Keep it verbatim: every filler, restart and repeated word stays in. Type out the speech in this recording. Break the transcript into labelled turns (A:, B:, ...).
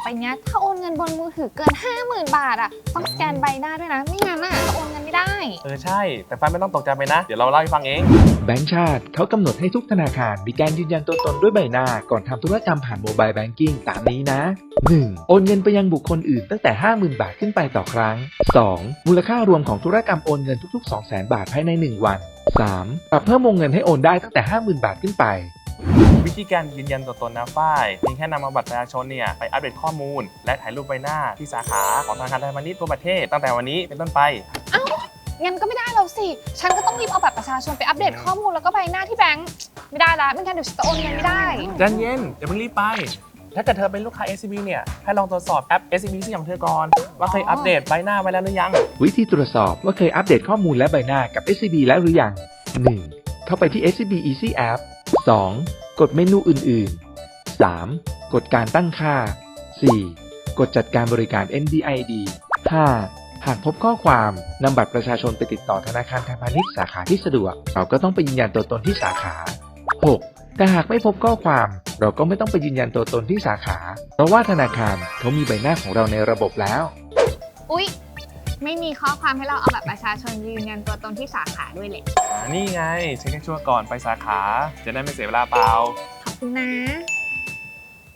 A: ไปเนี้ยถ้าโอนเงินบนมือถือเกิน ห้าหมื่น บาทอ่ะต้องสแกนใบหน้าด้วยนะไม่งั้นอ่ะจะโอนเงินไม่ได้
B: เออใช่แต่ฟ้าไม่ต้องตกใจไปนะเดี๋ยวเราเล่าให้ฟังเอง
C: แบงก์ชาติเขากำหนดให้ทุกธนาคารมีการยืนยันตัวตนด้วยใบหน้าก่อนทำธุรกรรมผ่านโมบายแบงกิ้งตามนี้นะ หนึ่ง โอนเงินไปยังบุคคลอื่นตั้งแต่ ห้าหมื่น บาทขึ้นไปต่อครั้ง สอง มูลค่ารวมของธุรกรรมโอนเงินทุกๆ สองแสน บาทภายใน หนึ่ง วัน สาม ปรับเพิ่มวงเงินให้โอนได้ตั้งแต่ ห้าหมื่น บาทขึ้นไป
B: วิธีการยืนยันตัวตนนะฝ้ายเพียงแค่นำเอาบัตรประชาชนเนี่ยไปอัปเดตข้อมูลและถ่ายรูปใบหน้าที่สาขาของธนาคารไทยพาณิชย์ทั่วประเทศตั้งแต่วันนี้เป็นต้นไป
A: เอ้างั้นก็ไม่ได้แล้วสิฉันก็ต้องรีบเอาบัตรประชาชนไปอัปเดตข้อมูลแล้วก็ใบหน้าที่แบงก์ไม่ได้ละไม่งั้นเดี๋ยวฉันจะโอนเงินไม่ได้
B: ใจเย็นอย่าเพิ่งรีบไปถ้าเกิดเธอเป็นลูกค้า เอส ซี บี เนี่ยให้ลองตรวจสอบแอป เอส ซี บี ของเธอก่อนว่าเคยอัปเดตใบหน้าไว้แล้วหรือยัง
C: วิธีตรวจสอบว่าเคยอัปเดตข้อมูลและใบหน้ากับ เอส ซี บี แล้วหรือยัง หนึ่ง เข้าไปที่ เอส ซี บี Easy App สอง กดเมนูอื่นๆ สาม กดการตั้งค่า สี่ กดจัดการบริการ เอ็น ดี ไอ ดี ห้า หากพบข้อความนำบัตรประชาชนไปติดต่อธนาคารไทยพาณิชย์สาขาที่สะดวกเราก็ต้องไปยืนยันตัวตนที่สาขา หก แต่หากไม่พบข้อความเราก็ไม่ต้องไปยืนยันตัวตนที่สาขาเพราะว่าธนาคารเขามีใบหน้าของเราในระบบแล้ว
A: อุ๊ยไม่มีข้อความให้เราเอาแบบประชาชนยืนยันตัวตนที่สาขาด้วยเลย
B: นี่ไงเช็คให้ชัวร์ก่อนไปสาขาจะได้ไม่เสียเวลาเปล่า
A: ขอบคุณนะ